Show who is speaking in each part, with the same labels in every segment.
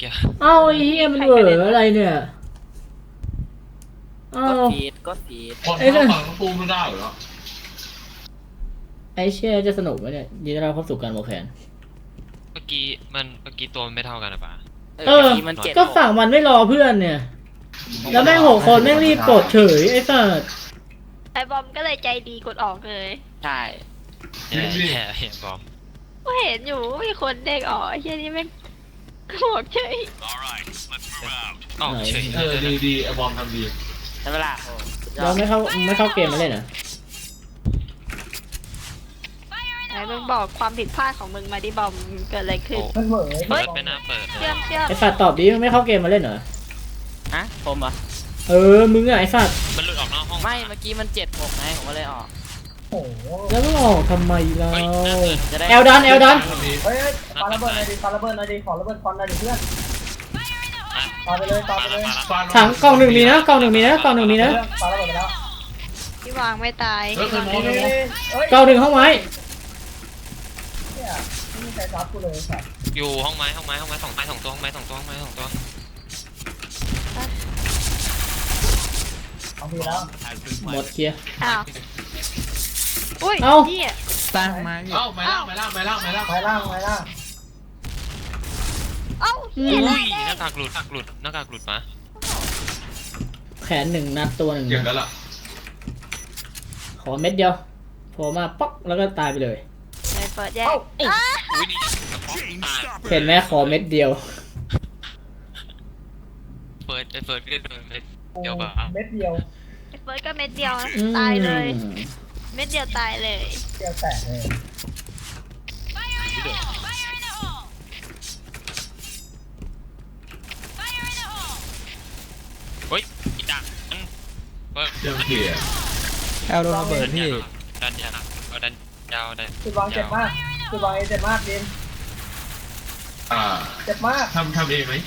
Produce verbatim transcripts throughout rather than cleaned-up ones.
Speaker 1: กี้
Speaker 2: เอ้าไอ้เหี้ยมันเหวออะไรเนี่ยเอ้า
Speaker 3: ก็ฟีดก็ฟีด
Speaker 4: คนเข้าฝั่งปูไม่ได้เหรอ
Speaker 2: ไอ้เชี่ยจะสนุกไหมเนี่ยยินดีต้อนรับเข้าสู่การวอลแคน
Speaker 1: เมื่อกี้มันเมื่อกี้ตัวมันไม่เท่ากันหรือเปล่า
Speaker 2: เออ
Speaker 3: ทีมันเจ็ด
Speaker 2: ก็ฝั่งมันไม่รอเพื่อนเนี่ยแล้วแม่งหกคนแม่งรีบกดเฉยไอ้สัส
Speaker 5: ไอบอมก็เลยใจดีกดออกเลย
Speaker 3: ใช่
Speaker 1: แย่แย่เห็นบอม
Speaker 5: ก็เห็นอยู่ว่ามีคนเด็กออกไอ้เหี้ยนี่แม่งบอกเฉย
Speaker 1: อ๋อเฉย
Speaker 4: เออดีดีไอบอมทำดี
Speaker 3: ใช่ไหมล่ะโอ้สุดยอ
Speaker 2: เรา
Speaker 3: ด
Speaker 2: ไม่เข้าไม่เข้าเกมมาเล่นเหรอ
Speaker 5: ไอ้มึงบอกความผิดพลาดของมึงมาดิบอมเกิดอะไรขึ้น
Speaker 6: มันเหม่อ
Speaker 1: เปิดไม่น่าเปิดเล
Speaker 5: เชื่อย มเชื่อม
Speaker 2: ไอ้สัสตอบดิไม่เข้าเกมมาเล่นเหรอ
Speaker 3: ฮะผมเหรอ
Speaker 2: เออมึงอะไอ้สัส
Speaker 1: มันหลุดออกนอกห้อง
Speaker 3: ไม่เมื่อกี้มันเจ็ดหกไงผมก็เลยออก
Speaker 6: โอ้โห
Speaker 2: แล้วมึงออกทำไมเรา
Speaker 1: เฮ้ยน่าเปิด
Speaker 3: จะได้
Speaker 2: แอลดันแอลดัน
Speaker 4: ทำดี
Speaker 6: เฮ้ยปาระเบิดหน่อยดิปาระเบิดหน่อยดิขอระเบิดควันหน่อยดิเพื่อนปาไปเลยปาไปเลย
Speaker 2: ถังกล่องหนึ่งมีนะกล่องหนึ่งมีนะกล่องหนึ่งมีนะ
Speaker 6: ปาระเบิดไปแล้ว
Speaker 5: ที่วางไม่ตาย
Speaker 4: เฮ้ยเคยมอง
Speaker 6: นี่
Speaker 4: เลย
Speaker 6: เฮ้ย
Speaker 2: กล่องหนึ่งห้องไม้
Speaker 6: เนี่ยไม่มีใครรับกูเลยสัตว์
Speaker 1: อยู่ห้องไม้ห้องไม้ห้องไม้สองไม้สองตัวห้องไม้สองตัวห้องไม้สองตัว
Speaker 6: เอาทีแล้ว
Speaker 2: หมดเคลียร์
Speaker 5: อ้าวอุ้ย
Speaker 2: เอ้า
Speaker 5: เหี้ย
Speaker 3: สร้างมาอยู่
Speaker 4: เอ้าไม่ล่างไม่ล่างไม่ล่างไม่ล่าง
Speaker 6: ไปล่างไปล่าง
Speaker 5: เอ้าเหี้ย
Speaker 1: อุ้ย
Speaker 5: แล้
Speaker 1: หน้ากากหลุดหน้ากากหลุดหน้ากากหลุดมา
Speaker 2: แขนหนึ่งนัดตัวหนึ่ง
Speaker 4: อย่างนั้นล่ะ
Speaker 2: ขอเม็ดเดียวโผล่มาป๊อกแล้วก็ตายไปเลย
Speaker 5: เลยเปิดแยก
Speaker 1: อุ้ยนี่กระป๋องตาย
Speaker 2: เห็นไหมขอเม็ดเดียว
Speaker 1: เปิดไปเปิดเล่นเลยเดี๋ยว
Speaker 6: โอ้
Speaker 1: ป่ะ
Speaker 6: เม็ดเดียว
Speaker 5: ไอ้เฟิร์สก็เม็ดเดียวนะ
Speaker 2: อืม
Speaker 5: ตายเลย เม็ดเดียวตายเลย
Speaker 6: เดียวแตกเลย
Speaker 1: เฮ้ยอีดักเปิด
Speaker 4: เดี๋ยวเขี่ย
Speaker 7: แอลโดนระเบิดพี่
Speaker 1: ดันยาวเอาดันยาวดัน
Speaker 6: จุดวางเจ็บมากจุดวางเจ็บมากดิน
Speaker 4: อ่า
Speaker 6: เจ็บมาก
Speaker 4: ทำทำเองไหม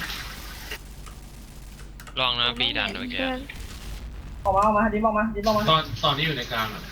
Speaker 1: ลองนะบีดันเมื่อกี้
Speaker 6: ออกมาออกมาดินออกมาดินออกมา
Speaker 4: ตอนตอนนี้อยู่ในกลางอ่ะ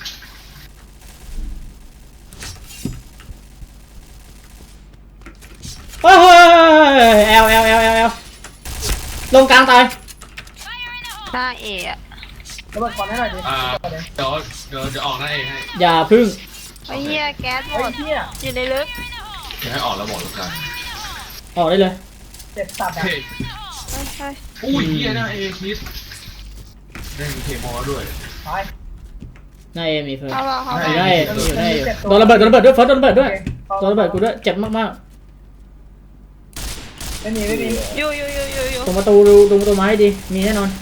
Speaker 2: เฮ้ยแอลแอลแอลแอลแอลลงกลางตาย
Speaker 5: หน้าเอะ
Speaker 6: ระเบิดควันให้หน่อยดิ
Speaker 4: อ่าเดี๋ยวเดี๋ยวเดี๋ยวออกหน้าเองให้
Speaker 2: อย่าพึ่ง
Speaker 5: ไอ้เหี้ยแก๊สหม
Speaker 6: เฮ้ย
Speaker 5: ด
Speaker 6: เฮีย
Speaker 5: อยู่ในลึก
Speaker 4: เดี๋ยวให้ออกแล้วบอกแล้วกัน
Speaker 2: ออกได้เลย
Speaker 6: เจ็บสัตว์อ่ะ
Speaker 4: เฮ้ย
Speaker 5: เฮ้ยเฮ้ย
Speaker 4: อุ้ยเฮียหน้าเอคิดได้มีเคมอลด้วย
Speaker 6: ไป
Speaker 2: หน้าเอมีเฟิร์ส
Speaker 5: เอาละเอา
Speaker 2: อยู่
Speaker 5: ละ
Speaker 2: ได้อยู่ได้อยู่โดนระเบิดโดนระเบิดด้วยเฟิร์สโดนระเบิดด้วยโดนระเบิดกูด้วยเจ็บมาก
Speaker 6: ไม่มีไม่มี
Speaker 5: อยู่อยู่อยู่อยู่อยู่
Speaker 2: ๆตรงประตูดูตรงประตูไม้ดีมีแน่นอน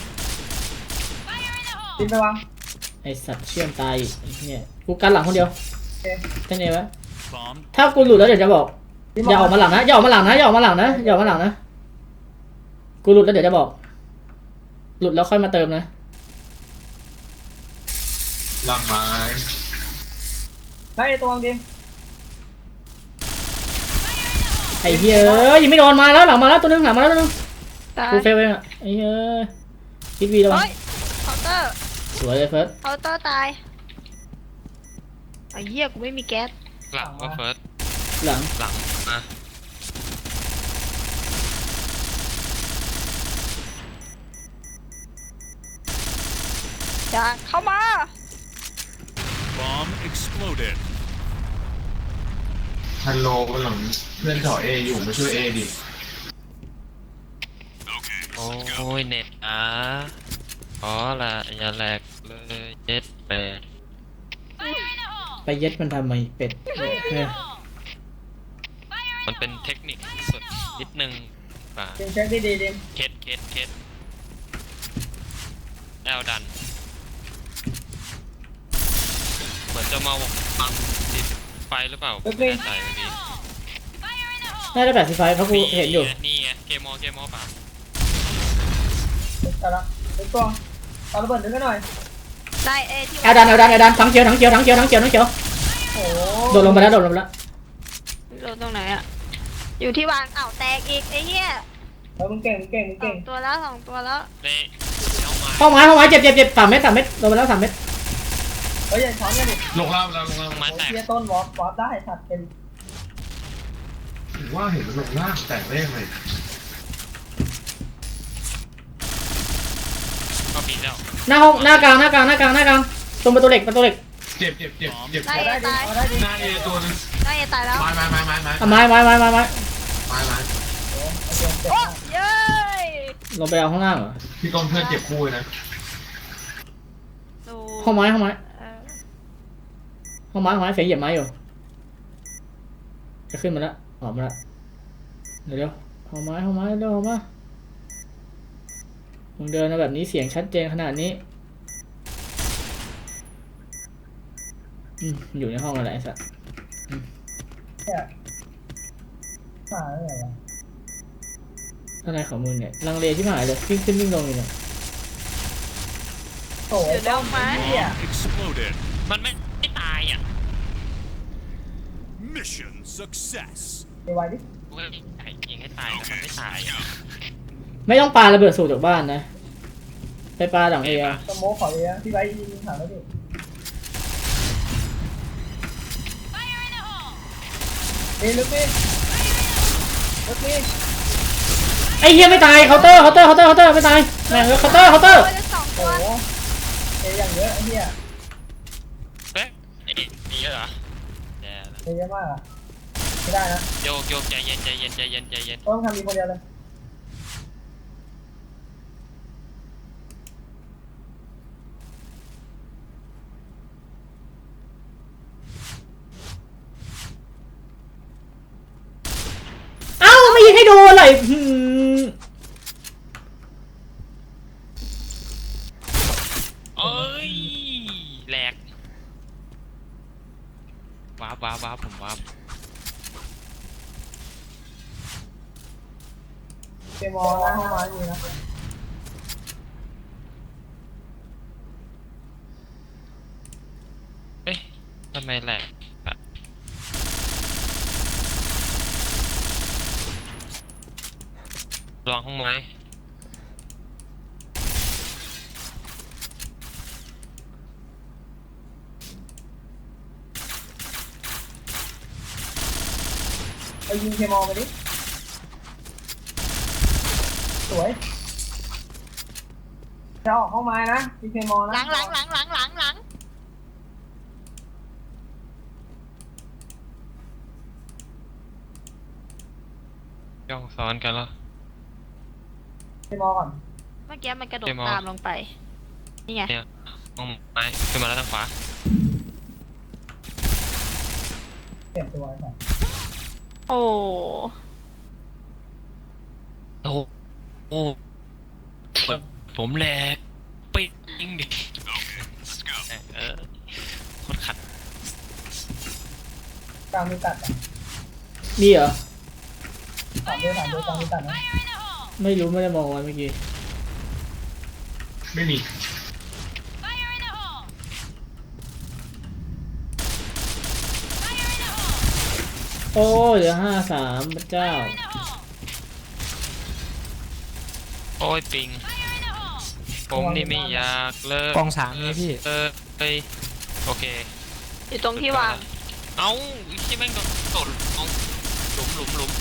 Speaker 6: ดินไปวาง
Speaker 2: ไอสัตว์เชื่อมตายอีกไอ้เนี่ยกูกันหลังคนเดียว
Speaker 6: โอเค
Speaker 2: แค่นี้วะถ้ากูหลุดแล้วเดี๋ยวจะบอกอย่าออกมาหลังนะอย่าออกมาหลังนะอย่าออกมาหลังนะอย่าออกมาหลังนะกูหลุดแล้วเดี๋ยวจะบอก หลุดแล้วค่อยมาเติมนะ
Speaker 4: ลังไม้
Speaker 6: ได้ตัววางดิน
Speaker 2: ไอ้เหี้ยเอ้ยยังไม่โดนมาแล้วหลังมาแล้วตัวนึงหลังมาแล้วตัวนึง
Speaker 5: ตาย
Speaker 2: กูเฟลเองอ่ะไอ้เหี้ยคิดวีแล้ว
Speaker 5: เฮ้ยเคาน์เตอร์
Speaker 2: สวยเลยเฟิร์ส
Speaker 5: เคาน์เตอร์ตายไอ้เหี้ยกูไม่มีแก๊ส
Speaker 1: หลังว่าเฟิร์ส
Speaker 2: หลัง
Speaker 1: หลังอ่ะ
Speaker 5: อย่าเข้ามา
Speaker 8: Bomb exploded.
Speaker 4: ฮัลโหลกันหลังเพื่อนถอเออยู่มาช่วยเอดิ
Speaker 1: โอ้ยเน็ตอ่ะขอละอย่าแหลกเลยเจ็ดแปด
Speaker 2: ไปเย็ดมันทำไมเป็ดเนี่ย
Speaker 1: มันเป็นเทคนิคสุดนิดนึงป่ะ
Speaker 6: ดินเช็คดีดีดิน
Speaker 1: เคสเคสเคสแอลดันเหมือนจะมาวางติดไฟหรือเปล่าไม่แน่ใจเมื่อกี้
Speaker 2: น่าจะแปดสิบไฟเพราะกูเห็นอยู่
Speaker 1: นี่ไงเกมมอเกมมอป่ะ
Speaker 6: เจ็บแต่ละเจ็บตัวปาระเบิดดึงกันหน่อย
Speaker 5: ได้เอที่
Speaker 2: แอลดันแอลดันแอลดันทั้งเขียวทั้งเขียวทั้งเขียวทั้งเขียวทั้งเขียว
Speaker 6: โอ้
Speaker 2: โดดลงไปแล้วโดดลงไปแล้ว
Speaker 5: โดนตรงไหนอะอยู่ที่วางอ้าวแตกอีกไอ้เหี้ย
Speaker 6: เฮ้ยมึงเก่งมึงเก่งมึง
Speaker 5: สอ
Speaker 6: เก่ง
Speaker 5: งตัวแล้วสองตัวแล้ว
Speaker 1: ในเอามา
Speaker 2: ห้องไม้ห้องไม้เจ็บเจ็บเจ็บสามเมตรสามเมตรโดนไปแล้วสามเมตร
Speaker 6: เฮ้ยอย่าช้อนกันดิ
Speaker 4: ลงล่างแล้วลงล่าง
Speaker 1: ไม้
Speaker 6: โอ้
Speaker 1: แตก
Speaker 6: เทียต้นวอล์ฟวอล์ฟได้สัตว์เป็น
Speaker 4: ถึงว่าเห็นมันลงล่างแตกได้ยังไง
Speaker 1: ก็ปีนแล้ว
Speaker 2: หน้าห้องหน้ากลางหน้ากลางหน้ากลางหน้ากลางตรงประตูเหล็กประตูเหล็ก
Speaker 4: เจ็บเจ็บเจ็บเจ็บ
Speaker 5: ได้
Speaker 6: ได้ดิ
Speaker 5: ตาย
Speaker 6: เอาได้ดิ
Speaker 4: หน้าเอตัวนึง
Speaker 5: ได้ตายแล้ว
Speaker 4: ไม้ไม้ไม้ไม้ไม้
Speaker 2: เอาไม้ไม้ไม้ไม้ไม้
Speaker 4: ไม้ไม้
Speaker 6: โอ้โอเคเจ็บ
Speaker 5: โอ้
Speaker 6: มาก
Speaker 5: เย้ย
Speaker 2: ลงไปเอาข้างล่างเหรอ
Speaker 4: พี่ก้องเพื่อนเจ็บคู่เลยนะ
Speaker 5: ดู
Speaker 2: ห้องไม้ห้องไม้
Speaker 5: เออ
Speaker 2: ห้องไม้ห้องไม้เสียงเหยียบไม้อยู่จะขึ้นมาแล้วออกมาแล้วเดี๋ยวเดี๋ยวห้องไม้ห้องไม้เดี๋ยวออกมามึงเดินมาแบบนี้เสียงชัดเจนขนาดนี้อืมอยู่ในห้องอะไรไอ้สัส
Speaker 6: เนี่ยมาอะไรวะ
Speaker 2: อะไรของมึงเนี่ยลังเลที่หายเลยวิ่งขึ้นวิ่งลงอยู่เนี่ย
Speaker 6: โถ่
Speaker 5: อยู่ในห้องไม้
Speaker 6: เนี่ย
Speaker 8: Exploded.
Speaker 1: มันไม่ไม่ตายอ่ะ
Speaker 8: Mission success.
Speaker 6: ไปไว้ดิ
Speaker 1: กูก็ยิงให้ตายแล้วมันไม่ตายอ่ะ
Speaker 2: ไม่ต้องปาระเบิดสูตรจากบ้านนะไปปาหลังเออะ
Speaker 6: สโมกขอเลยนะพี่ไว้ยิงถามแล้วดิเอ้ยลึกดิลึกดิ
Speaker 2: ไอ้เหี้ยไม่ตายเคาน์เตอร์เคาน์เตอร์เคาน์เตอร์เคาน์เตอร์ไม่ตายแม่งเคาน์เตอร์เคาน์เตอร์
Speaker 5: โอ้ยจะสองตั
Speaker 6: โอ้
Speaker 5: ว
Speaker 6: โหเอ้ยอย่างเยอะไอ้เหี้ย
Speaker 1: เอ๊ะไอ้นี่มีเยอะเหรอแย่ละ
Speaker 6: เอ้ยเยอะมากอะไม่ได้นะ
Speaker 1: โยกโยกใจเย็นใจเย็นใจเย็นใจเย็น
Speaker 6: ต้องทำมีคนเดียวเลย
Speaker 2: เอ้าไม่ยิงให้โดนเลยหืม
Speaker 1: เอ้ยแหลกว้าวว้าวว้าวผมว้าว
Speaker 6: เกมมอลหน้าห้องไม้อยู่นะ
Speaker 1: เอ๊ะทำไมแหลกอะลองห้องไม้
Speaker 6: ไปยิงเกมมอลไปดิสวยจะออกห้องไม้นะยิงเกมมอลนะ
Speaker 5: หลังหลังหลังหลังหลังหลัง
Speaker 1: ย่องซ้อนกันแล้ว
Speaker 6: เกมมอลก่อน
Speaker 5: เมื่อกี้มันกระโดด
Speaker 1: เกมออน
Speaker 5: ตามลงไปนี่ไง
Speaker 1: เนี่ยห้องไม้ขึ้นมาแล้วทางขวา
Speaker 6: เก็บตัวไว้ก่อน
Speaker 5: โอ้
Speaker 1: โอ้โอ้ผมผมแหลกปิ๊งดิเออโคตรขัด
Speaker 6: กลางมีตัดอ่ะ
Speaker 2: มีเหรอ
Speaker 6: สามเดือนสามเดือนกลางมีตัดนะ
Speaker 2: ไม่รู้ไม่ได้มองไว้เมื่อกี้
Speaker 4: ไม่มี
Speaker 2: โอ้ยเหลือห้าสามพระเจ้า
Speaker 1: โอ้ยปิงผมนี่ไม่อยากเลิก
Speaker 7: กองสามนี่พี่
Speaker 1: เออไปโอเค
Speaker 5: อยู่ตรงที่วาง
Speaker 1: เอ้าที่แม่งโดนโดดลงหลุมหลุมหลุม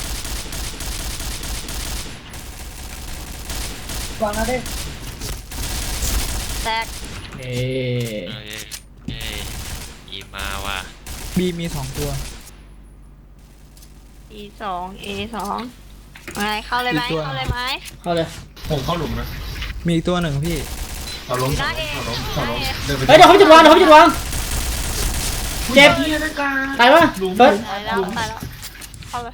Speaker 6: วางนะเด้
Speaker 5: แตก
Speaker 2: เอ๊
Speaker 1: เอ้ยเอ้ยอีมาว่ะ
Speaker 7: บีมีสองตัว
Speaker 5: E สอง A สองไงเข้าเลยไหม
Speaker 7: อีกตัว
Speaker 5: เข้าเลยไหม
Speaker 2: เข้าเลย
Speaker 4: ผมเข้าหลุมนะ
Speaker 7: มีอีกตัวหนึ่งพี่
Speaker 4: ต่อล้มต่อล้มต่อล้มต่อล้มเดินไป
Speaker 2: เฮ้ยเดี๋ยวเขาไปจุดวางเดี๋ยวเขาไปจุดวางเจ็บตายวะ
Speaker 4: หลุม
Speaker 2: เฟิร์ส
Speaker 5: ตายแล้วตายแล้วเข้าเลย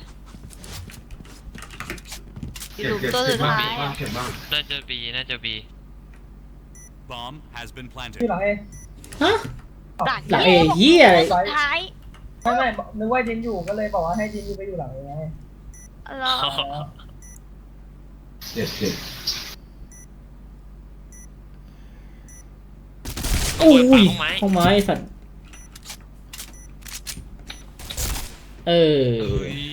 Speaker 5: ห
Speaker 4: เจ็บ
Speaker 5: ลุม
Speaker 4: เจ็บ
Speaker 5: ตัว
Speaker 4: เจ็
Speaker 5: สุ
Speaker 4: บ
Speaker 5: ด
Speaker 4: บ้าง
Speaker 5: ท้าย
Speaker 4: เจ็บบ้างเจ็บบ้าง
Speaker 1: น่าจะบีน่าจะบี
Speaker 8: Bomb has been
Speaker 6: ที่
Speaker 8: planted.
Speaker 6: หลังเอ
Speaker 2: ฮะ
Speaker 5: หลัง
Speaker 2: หลังเอเหี้ยอะไร
Speaker 5: สุดท้าย
Speaker 6: ไม่ไม่นึกว่าดินอยู่ก็เลยบอกว่าให้ดินอยู่ไปอยู่หลังเอไง
Speaker 5: แล้ว
Speaker 4: เจ็บเจ็บ
Speaker 2: อุ้ย
Speaker 1: เปิดฝาห้องไม้
Speaker 2: ห้องไม้ไอ้สัตว์เออ
Speaker 1: เฮ้ย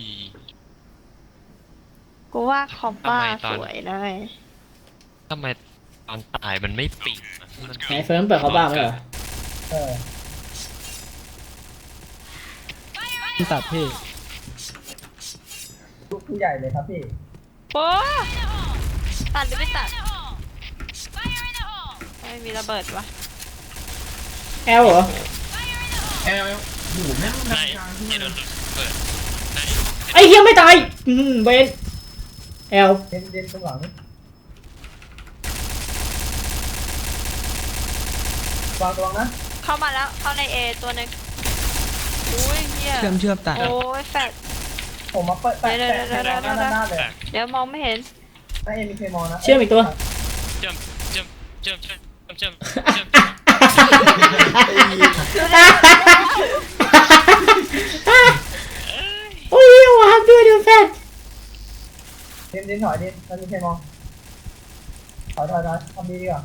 Speaker 5: กูว่าคอมบ้า
Speaker 1: ทำไมต
Speaker 5: ส
Speaker 1: อน
Speaker 5: วยเลย
Speaker 1: ทำไมตอนตายมันไม่ปิงอะมัน
Speaker 2: ไหนเฟิร์มเปิดเขาบ้างไหมเหรอ
Speaker 6: เออ
Speaker 7: ที่ตัดพี่
Speaker 6: ลูกผู้ใหญ่เลยครับพี่
Speaker 5: โอ้ตัดหรือไม่ตัดไม่มีระเบิดวะ
Speaker 2: แอลเหรอ
Speaker 4: แอลหูแม่ง
Speaker 1: ไหน
Speaker 4: ดังกลางที่
Speaker 1: ที่โดนเปิดไหน
Speaker 2: ไอ้เฮียไม่ตายอืมเบนแอล
Speaker 6: เด่นเด่นตรงหลังวางตัวนะ
Speaker 5: เข้ามาแล้วเข้าในเอตัวหนึงอุ้ยเฮีย
Speaker 7: เชื่อมเชื่อมตัด
Speaker 5: โอ้ยแฟด
Speaker 6: ผมมาเปิดแปะแปะแปะหน้าหน้าเลย
Speaker 5: เดี๋ยวมองไม่เห็น
Speaker 6: ถ้าเอ็มมีเคมอนะ
Speaker 2: เชื่อมอีกตัว
Speaker 1: เจิมเจิมเจิมเจิมเจิมเจิม
Speaker 2: โอ้ยวางด้วยเดี๋ยวแฟน
Speaker 6: เด่นเด่นถอยเด่นมันมีเคมอถอยถอยถอยทำดีดีกว่า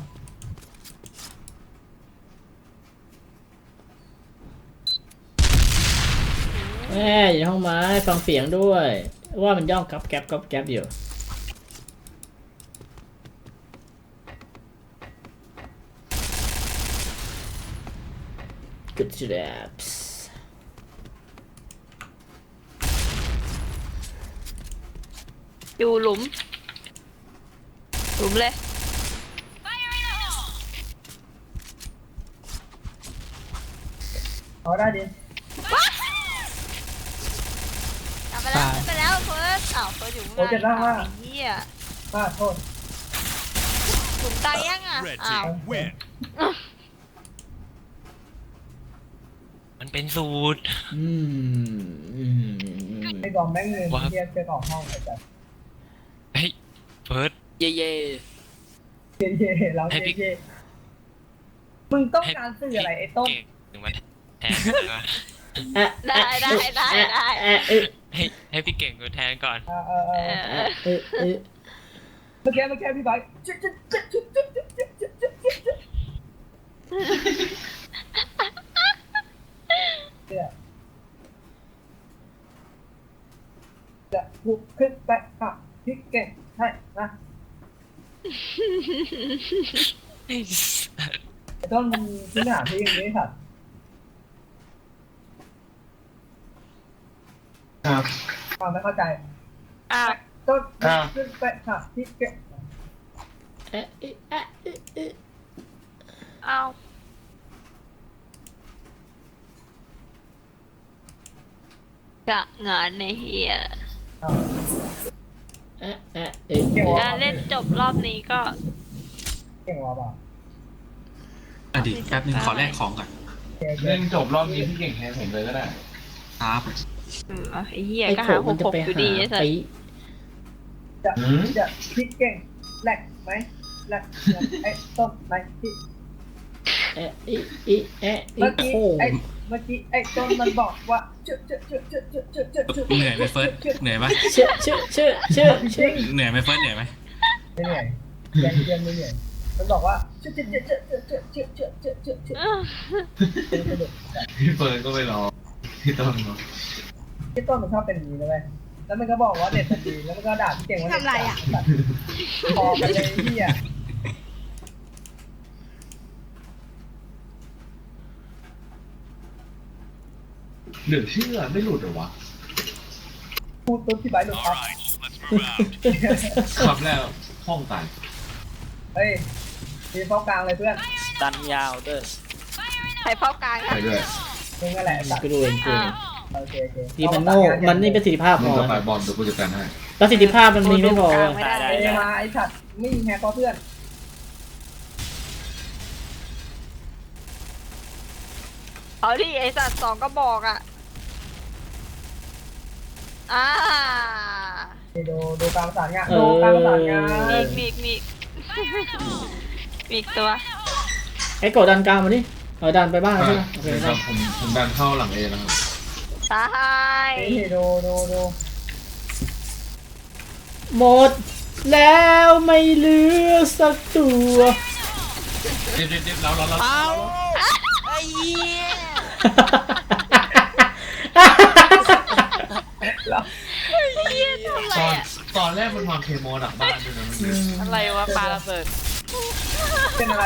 Speaker 2: แม่อยู่ในห้องไม้ฟังเสียงด้วย ว่ามันย่องกับแก๊บกับแก๊บอยู่กุดจุดแอบส์
Speaker 5: อยู่หลุม หลุมเลย
Speaker 6: เอาได้ดิ
Speaker 5: กลับไปแล้วขึ้นไปแล้วเฟิร์สอ้าวเฟิร์สอยู่ข้าง
Speaker 6: โอ้เจ็บมากมาก
Speaker 5: ไอ้เหี้ย
Speaker 6: มากโทษ
Speaker 5: หลุมตายยังอ่ะ
Speaker 8: Red
Speaker 5: อ้าว
Speaker 8: team win.
Speaker 1: มันเป็นสูตร
Speaker 2: อืมอืมอืม
Speaker 6: ไอ้กองแม่งเงินเทียบเจอกองห้องไอ้จัด
Speaker 1: เฮ้ยเฟิร์ส
Speaker 3: เย่เย่
Speaker 6: เย่เย่เราเย่เย่มึงต้องการสื่ออะไรไอ้ต้น
Speaker 1: เก่งถึงมาแทน
Speaker 2: อะ
Speaker 5: ได้ได้ได้ได้
Speaker 2: อะเออ
Speaker 1: ให้ให้พี่เก่งกูแทนก่อน
Speaker 6: เออเออเอ
Speaker 5: เอ
Speaker 6: อ
Speaker 5: อ
Speaker 2: เออเออ
Speaker 6: เมื่อกี้เมื่อกี้พี่ไบค์จุ๊บจุ๊บจุ๊บจุ๊บจุ๊บจุ๊บจุ๊บจุ๊บจุ๊บจุ๊บจุ๊บเนี่ยจะบุกขึ้นไปค่ะพี่เก่งให้นะไอ้ต้นมันที่หน้าพี่อย่างนี้ค่ะ
Speaker 4: ครับ
Speaker 6: ฟังไม่เข้าใจ
Speaker 5: อ้าว
Speaker 6: ต้นขึ้นไปค่ะพี่เก่ง
Speaker 2: เอะเอะเอะเอะเอะ
Speaker 5: อ้าวกะงานในเฮีย
Speaker 2: เอะเอะเอะ
Speaker 6: เก่งวะ
Speaker 5: การเล่นจบรอบนี้ก็
Speaker 6: เก่งวะเปล่า
Speaker 9: อดีตแป๊บนึงขอแลกของก่อน
Speaker 6: เก่งเก่
Speaker 4: เล่
Speaker 6: ง
Speaker 4: นจบรอบนี้พี่เก่งแทนผมเลยก็ได้
Speaker 9: ครับ
Speaker 5: เออไอ้เหี้ย
Speaker 2: ไอ้
Speaker 5: ก็
Speaker 2: โข
Speaker 5: หาห
Speaker 2: มัน
Speaker 5: ก
Speaker 2: จะ
Speaker 5: หก
Speaker 2: ไป
Speaker 5: อยู่
Speaker 2: หา
Speaker 5: ดีไอ้สัส
Speaker 2: ไป
Speaker 6: จะ
Speaker 4: หืม
Speaker 6: จะพี่เก่งแหลกไหมแหลกไอ้ต้นไหมพี่
Speaker 2: เอะเอะเอะเอะเอะ
Speaker 6: เมื่อกี้
Speaker 2: โค้ง
Speaker 6: ไอ้เมื่อกี้ไอ้ต้นมันบอกว่าเชื่อเชื่อเชื่อเชื่อเชื่อเชื่อเชื่อเชื่อ
Speaker 9: เหนื่อยไหมเฟิร์สเหนื่อยไหม
Speaker 2: เชื่อเชื่อเชื่อเชื่อเชื่อ
Speaker 9: เหนื่อยไหมเฟิร์สเหนื่อยไหม
Speaker 6: ไม่เหนื่อยเรียนเรียนไม่เหนื่อยมันบอกว่าเชื่อเชื่อเชื่อเชื่อเชื่อเชื่อเชื่อเชื่อเชื่อเชื่อ
Speaker 5: เออ
Speaker 6: เป็นสนุก
Speaker 4: พี่เฟิร์นก็ไปรอพี่ต้นเนาะ
Speaker 6: พี่ต้นมันชอบเป็นอย่างนี้เลยแล้วมันก็บอกว่าเน็ตมันดีแล้วมันก็ด่าพี่เก่งว่าเน็ตอ่ะพอกันเลยพี่อ่ะ
Speaker 4: เหลือเชื่อไม่หลุดเหรอวะ
Speaker 6: พูดปุ๊บพี่ไบค์หลุด
Speaker 8: All
Speaker 6: ครับ
Speaker 8: right, let's move out.
Speaker 4: ขับแล้วห้องตาย
Speaker 6: เฮ้ยทีมเข้ากลางเลยเพื่อน
Speaker 3: ดันยาวเด้อ
Speaker 5: ใครเฝ้ากลาง
Speaker 4: ไป
Speaker 5: อะ
Speaker 4: ด้วย
Speaker 6: มึงนั่นแหละตัด
Speaker 2: กูดูเองกู
Speaker 5: อ้า
Speaker 2: เอ
Speaker 5: ว
Speaker 2: ง
Speaker 6: โอเคโอเค
Speaker 2: ทีมันโง่มันนี่ประสิทธิภาพ
Speaker 4: มึ
Speaker 2: พ
Speaker 4: ง
Speaker 2: อ
Speaker 4: จะไปบอลเดี๋ยวกูจัดการให้
Speaker 2: ประสิทธิภาพมันมีไม่พอ
Speaker 5: กลาง
Speaker 2: เว้ย
Speaker 5: ไม่ได้
Speaker 6: เอมาไอ้สัตว์ไม่ยิงแฮกก็เพื่อน
Speaker 5: เอาดิไอ้สัตว์สองก็บอกอ่ะอ่า
Speaker 6: ดูดูการประสานงานดูการประสานงาน
Speaker 5: มีอีกมีอีกมีอีกมีอีกตัว
Speaker 2: ไอ้โกดดันกลางมาดิเออดันไปบ้างใช่ไหมโอเค
Speaker 4: เดี๋ยว
Speaker 2: ได้
Speaker 4: ผมผมดันเข้าหลังเอนะครับ
Speaker 5: ตาย
Speaker 6: นี่ดูดูดู
Speaker 2: หมดแล้วไม่เหลือสักตัว
Speaker 4: เด็ดเด็ดเด็ดเราเราเรา
Speaker 3: เอาไอ้เหี้ย
Speaker 5: เหี้ยทำอะไร
Speaker 4: ตอน
Speaker 5: อ่ะ
Speaker 4: ตอนแรกมันวางเคมอหลังบ้านด้วยนะมัน
Speaker 3: อะไรวะปลาระเบิด
Speaker 6: เป็นอะไร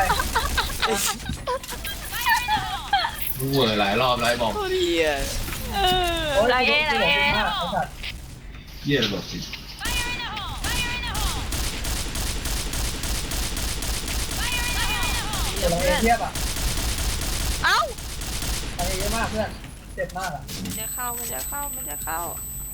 Speaker 4: รู้เวอร์หลายรอบแล้วไอ้บอม
Speaker 3: โคตรเหี้ย
Speaker 5: เออ
Speaker 6: โอ้ย
Speaker 5: ไรเอ้ไร
Speaker 6: ไอ้
Speaker 5: เอ้
Speaker 6: สัตว์
Speaker 4: เยี่ยระเบิดสิ
Speaker 5: เอะ
Speaker 6: เรา
Speaker 5: เพื่อน
Speaker 6: เทียบอ่ะ
Speaker 5: เอ้า
Speaker 6: อะไรเยอะมากเพื่อนเจ็บมากอ่ะ
Speaker 5: มันจะเข้ามันจะเข้ามันจะเข้า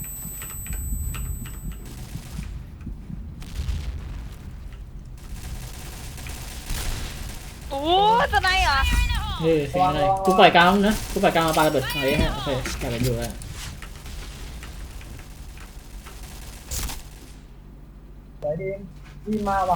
Speaker 5: โอ้สไนเหรอ
Speaker 2: เฮ้ยเป็นอะไรกูปล่อยกลางนะกูปล่อยกลางมาปาระเบิดอะไรฮะโอเคกลายเป็นอยู่แล้ว
Speaker 6: สวยดีดีมาว่ะ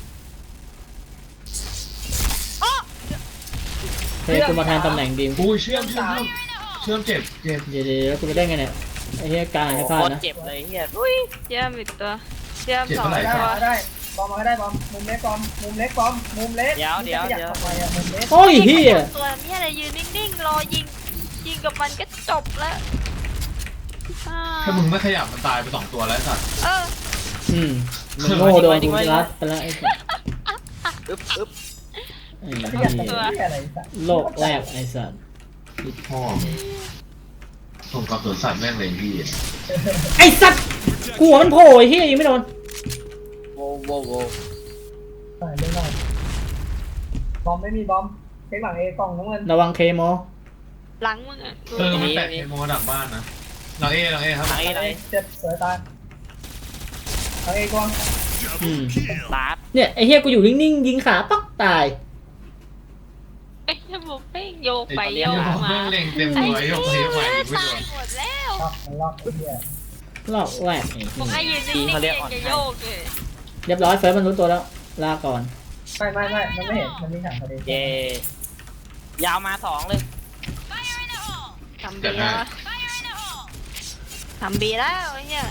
Speaker 2: เฮ้ยกูมาแทนตำแหน่งดีม
Speaker 4: อุ้ยเชื่อมเชื่อมเชื่อมเชื่อมเจ็บเจ็บ
Speaker 2: เดี๋ยวเดี๋ยวแล้วกูไปได้ไงเนี่ยไอ้เหี้ยกลาง
Speaker 3: โอ้
Speaker 2: ให้
Speaker 3: โห
Speaker 2: พลา
Speaker 3: โค
Speaker 2: ด
Speaker 3: ตร
Speaker 2: นะ
Speaker 3: เจ็บเลยเฮีย
Speaker 5: อุ้ยเยี่ยมอีกตัวเยี่ยมสอง
Speaker 6: ได้
Speaker 5: ตัว
Speaker 6: มาได้บอมมาได้บอมมุมเล็กบอมมุมเล็กบอมมุมเล็ก
Speaker 3: เดี๋ยวเดี๋ยวเดี๋ยว
Speaker 6: ทำไมอ่ะมุมเล็ก
Speaker 2: โอ้ยเหี้ย
Speaker 5: ตัวนี้อะไรยืนนิ่งๆรอยิงยิงกับมันก็จบแล้วอ่า
Speaker 4: ถ้ามึงไม่ขยับมันตายไปสองตัวแล้วไอ้สัตว์
Speaker 5: เออ
Speaker 2: อืมมึงโง่โดนกูรัดไปแล้วไอ้สัส
Speaker 3: อึ๊บอึ๊บ
Speaker 2: ไอ้
Speaker 6: ขยับ
Speaker 2: เหี้
Speaker 6: ตัวย ที่อะไรสัก
Speaker 2: โลกแรกไอ้สัส
Speaker 4: พ่อส่งกับสวนสัตว์แม่งเลยพี่
Speaker 2: ไอ้สัสกูหัวมันโผล่ไอ้เหี้ยยิงไม่โดน
Speaker 3: โว้โว้โว้
Speaker 6: หน่อยเล่นหน่อยบอมไม่มีบอมเช็คหลังเอกล่องน้ำเงิน
Speaker 2: ระวังเคมอ
Speaker 5: หลังมึงอ่ะกู
Speaker 4: เออมันแตะเคโมดักบ้านนะหลังเอหลังเอครับ
Speaker 3: หลังเอหลังเอ
Speaker 6: เจ็บสวยตายหลังเอกล่อง
Speaker 2: อืม
Speaker 3: ลาด
Speaker 2: เนี่ยไอ้เหี้ยกูอยู่นิ่งๆยิงขาปักตาย
Speaker 5: ไอ้ยบุกเป้งโยกไป
Speaker 4: ไอ้
Speaker 5: โยก
Speaker 4: เหี้ย
Speaker 5: มา
Speaker 4: แม่งเล็งเต็มตัวไอ้ยกไปยกไปไม่
Speaker 5: ตา
Speaker 4: โด
Speaker 5: ย
Speaker 4: น
Speaker 5: หมดแล้ว
Speaker 6: ล็อกมันล็อกไอ้เหี้ย
Speaker 2: โลกแรกไอ้
Speaker 5: ผม
Speaker 2: เหี้
Speaker 5: ให้
Speaker 2: ย
Speaker 5: ยืนนิ่งๆเองจะโยกเลย
Speaker 2: เรียบร้อยเฟิร์สมันรู้ตัวแล้วลาก่อน
Speaker 6: ไม่ไม่ไม่มันไม่เห็นมันมีถังพอดี
Speaker 3: เย่ยาวมาสองเลย
Speaker 5: ทำบีแล้วทำบีแล้วไอ้เนี่ย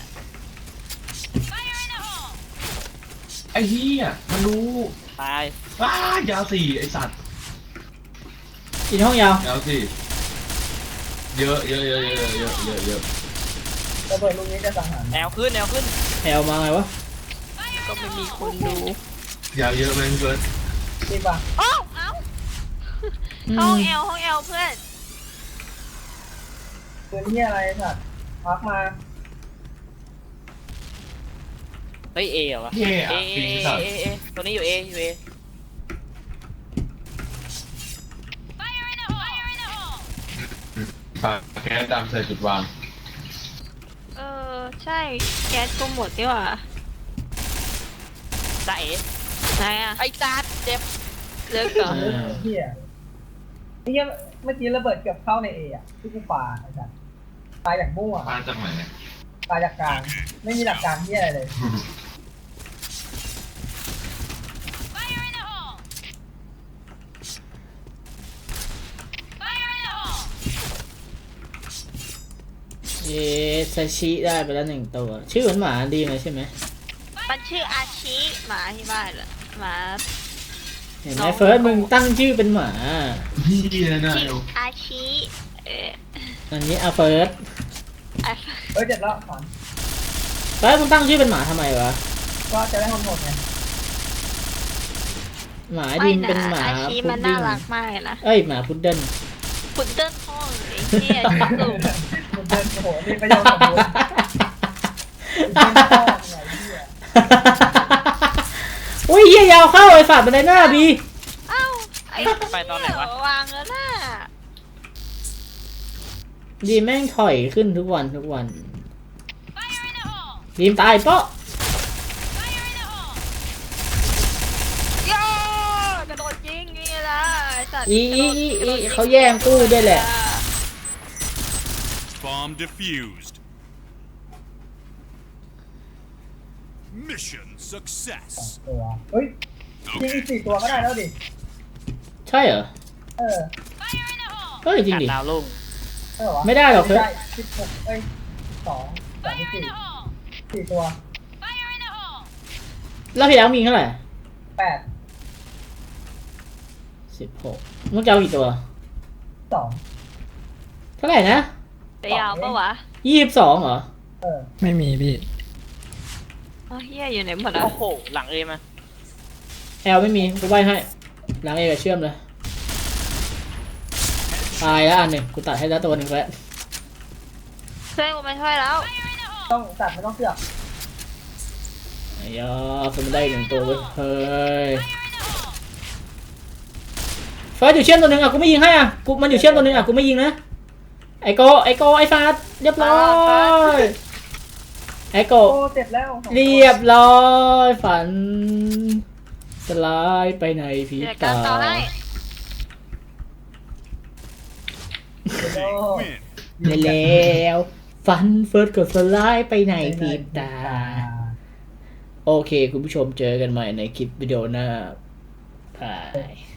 Speaker 4: ไอ้เหี้ยมันรู้
Speaker 3: ตาย
Speaker 4: ว้ายาวสี่ไอ้สัตว์
Speaker 2: อีกห้องยาวย
Speaker 4: าวสี่เยอะเยอะเยอะเยอะเยอะเยอะเยอะ
Speaker 6: ระเบิดลูกนี้จะสังหาร
Speaker 3: แนวขึ้นแนวขึ้น
Speaker 2: แอลมาไงวะ
Speaker 5: ก็ไม่มีคนดู
Speaker 4: ยาวเยอะไหมพี่เบิร์ด
Speaker 6: จริงป่ะ
Speaker 5: เอ้าเอ้า
Speaker 2: อื
Speaker 5: ห้อง
Speaker 2: ม
Speaker 5: แอลห้องแอลเพื่อน
Speaker 6: ปืนที่อะไรสัตว์พักมา
Speaker 3: เฮ้ยเอเหรอวะ
Speaker 4: เย่
Speaker 3: เอ
Speaker 4: อะ
Speaker 3: เอ
Speaker 4: ปี
Speaker 3: เอ
Speaker 4: สัตว์
Speaker 3: เอเอตัวนี้อยู่เออยู่เอ
Speaker 4: ปากแก๊สดำใส่จุดวาง
Speaker 5: เออใช่แก๊สก็หมดนี่หว่า
Speaker 3: จ้าเอ
Speaker 5: ไหนอ่ะ
Speaker 3: ไอ้จัดเจ็บ
Speaker 5: เลิกก่อน
Speaker 6: เรื่องเหี้ยนี่เมื่อกี้ระเบิดเกือบเข้าในเออ่ะที่กูปาไอ้สัตว์ตายอย่างมั่ว
Speaker 4: มาจากไหน
Speaker 6: ตายจากกลางไม่มีหลักการที่อะไรเลย
Speaker 2: เอ๊ะซาชิได้ไปแล้วหนึ่งตัว ชื่อเหมือนหมาดีไหมใช่ไหม
Speaker 5: มันชื่ออาชิหมาที่บ้านเหรอหมา
Speaker 2: เห็นไหมเฟิร์สมึงตั้งชื่อเป็นหมา
Speaker 4: พี่นะนะ
Speaker 5: ชื่ออาชิเออ
Speaker 2: อันนี้อาเฟิร์ส
Speaker 5: อ่ะ
Speaker 6: เฮ้ยเจ็บแล้วขอน
Speaker 2: เฟิร์สมึงตั้งชื่อเป็นหมาทำไมวะ
Speaker 6: ก็จะได้คนหมดไง
Speaker 2: หมา
Speaker 5: ไม่
Speaker 2: ดิน
Speaker 5: นะ
Speaker 2: เป็นหมา
Speaker 5: อาชิ
Speaker 2: พุ
Speaker 5: มั
Speaker 2: ด
Speaker 5: น
Speaker 2: ดิ้
Speaker 5: น่าง รักมากเลยนะ
Speaker 2: เอ้ยหมาพุดเดิ้ล
Speaker 5: พุดเดิ้ลห้องไอ้เหี้ยชิสุ
Speaker 6: มันเดินโอ้โหนี่ประโยชน์สมบูรณ์เป็นพ่อไงเหี้ย
Speaker 2: อุ้ยเหี้ยยาวเข้าไอ้ฝาดบันไดหน้าบี
Speaker 5: เอ้าไอ้
Speaker 3: ไปตอนไหนวะ
Speaker 5: วางแล้วน่ะ
Speaker 2: ดีแม่งถอยขึ้นทุกวันทุกวันดีมตายเปาะ
Speaker 5: โย่กระโดดยิงนี่ละไอ้สัตว์
Speaker 2: อีอีอี
Speaker 5: กระโด
Speaker 2: อี
Speaker 5: ดยิง
Speaker 2: เขาแย่งกู้ด้วยแหละ
Speaker 8: Bomb defused. Mission success.
Speaker 6: ตัวเฮ้ยยิงอีกสี่ตัวก็ได้แล้วดิ
Speaker 2: ใช่เหรอ
Speaker 6: เออ
Speaker 2: เฮ้ยจริงดิ
Speaker 3: ดาวลุ่ง
Speaker 6: เออวะ
Speaker 2: ไม่ได้หรอกเพื่อน
Speaker 6: สิบหกเอ้ยสองสามสี่สี่ตัว
Speaker 2: แล้วพี่แล้วมีเท่าไหร่
Speaker 6: แปด
Speaker 2: สิบหกมึงจะเอากี่ตัว
Speaker 6: สอง
Speaker 2: เท่าไหร่นะ
Speaker 5: จะยาวปะวะ
Speaker 2: ยี่สิบสองเหรอ
Speaker 6: เออ
Speaker 7: ไม่มีพี่
Speaker 5: อ๋อเฮียอยู่ไหนหมดอ่ะ
Speaker 3: โอ้โหหลังเอมา
Speaker 2: แอลไม่มีกูใบให้หลังเอกบเชื่อมเลยตายแล้วอันหนึ่งกูตัดให้แล้วตัวหนึ่งแล้ว
Speaker 5: เพื่อนกูมาช่วยแล้ว
Speaker 6: ต้องตัดไม่ต้องเสือก
Speaker 2: ไอ้ยอคือมันได้หนึ่งตัวเว้ยเฮ้ยเฟิร์สอยู่เชื่อมตัวหนึ่งอ่ะกูไม่ยิงให้อ่ะกูมันอยู่เชื่อมตัวหนึ่งอ่ะกูไม่ยิงนะไอโกไอโกไอฟาดเรียบร้อยไอโก
Speaker 6: โอ้เสร็จแล้ว
Speaker 2: เรียบร้อยฝันสลายไปในพริบ
Speaker 5: เดี๋ยวกา
Speaker 2: ตาร
Speaker 5: ต่อให้
Speaker 8: Win.
Speaker 2: แล้วฝันเฟิร์สก็สลายไปในพริบตาโอเคคุณผู้ชมเจอกันใหม่ในคลิปวิดีโอหน้าบาย